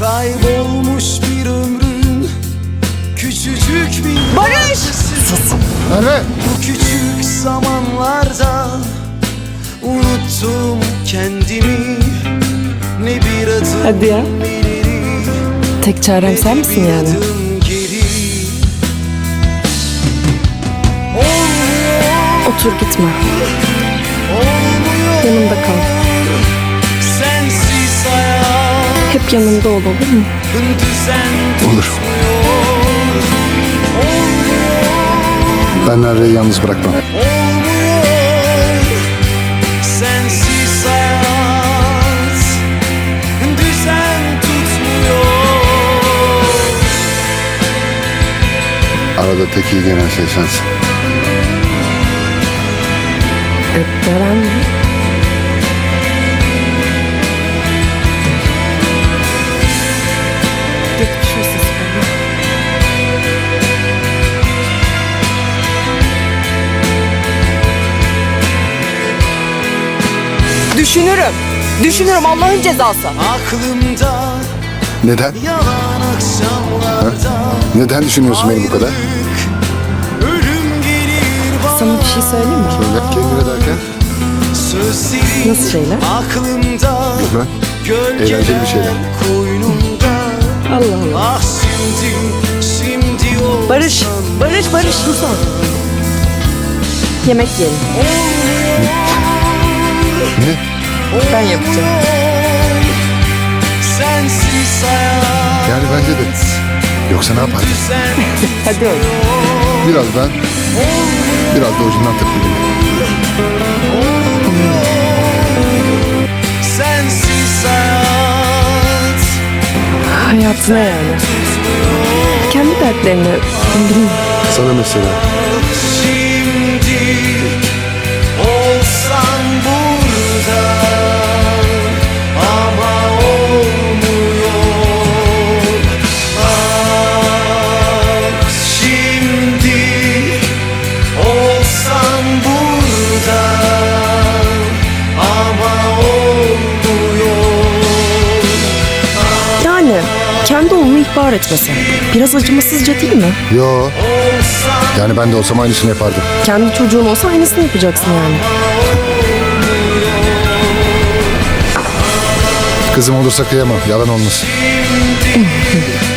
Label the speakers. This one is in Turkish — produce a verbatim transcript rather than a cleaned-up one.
Speaker 1: Kaybolmuş bir ömrün küçücük bir
Speaker 2: Barış!
Speaker 3: Sus! Merve!
Speaker 1: Bu küçük zamanlarda unuttum kendimi. Ne bir adım
Speaker 2: Hadi ya.
Speaker 1: ileri,
Speaker 2: Tek çarem sen misin
Speaker 1: bir
Speaker 2: yani?
Speaker 1: adım geri. Olmuyor,
Speaker 2: Otur gitme.
Speaker 1: olmuyor.
Speaker 2: Yanımda kal.
Speaker 1: Sensiz hayat
Speaker 2: Hep yanımda ol, olur mu?
Speaker 1: düzen
Speaker 3: Olur.
Speaker 1: tutmuyor.
Speaker 3: Ben Merve'yi yalnız bırakmam.
Speaker 1: Olmuyor, sensiz hayat düzen tutmuyor.
Speaker 3: Arada tek iyi gelen şey sensin.
Speaker 2: Gören mi? Geçmiş olsun sana. Düşünürüm. Düşünürüm Allah'ın cezası.
Speaker 1: Aklımda
Speaker 3: Neden?
Speaker 1: yalan akşamlarda
Speaker 3: Neden düşünüyorsun beni bu kadar?
Speaker 1: ölüm gelir bana.
Speaker 2: Sana bir şey söyleyeyim mi?
Speaker 3: Söyle kendine derken.
Speaker 1: Sözlerin
Speaker 2: Nasıl şeyler?
Speaker 1: aklımda,
Speaker 3: Bilmem.
Speaker 1: gölgeler
Speaker 3: Eğlenceli bir şeyler.
Speaker 1: koynumda.
Speaker 2: Allah Allah.
Speaker 1: Ah şimdi, şimdi olsan.
Speaker 2: Barış, Barış, Barış sus artık. Yemek yiyelim.
Speaker 3: Ne?
Speaker 2: Ben yapacağım.
Speaker 1: Sensiz hayat
Speaker 3: Yani bence de. Yoksa ne yapardın?
Speaker 1: düzen
Speaker 2: Hadi öyle.
Speaker 3: Biraz ben, biraz da ucundan takıldım.
Speaker 1: sensiz hayat
Speaker 2: Hayatına yani. Kendi dertlerini bilmiyorum.
Speaker 3: Sana mesela.
Speaker 1: şimdi olsan burada ama olmuyor. Ah şimdi olsan burada ama olmuyor.
Speaker 2: Yani kendi oğlunu ihbar etmesen. Biraz acımasızca değil mi?
Speaker 3: Yo. Yani ben de olsam aynısını yapardım.
Speaker 2: Kendi çocuğun olsa aynısını yapacaksın yani.
Speaker 3: Kızım olursa kıyamam. Yalan olmasın.
Speaker 1: Şimdi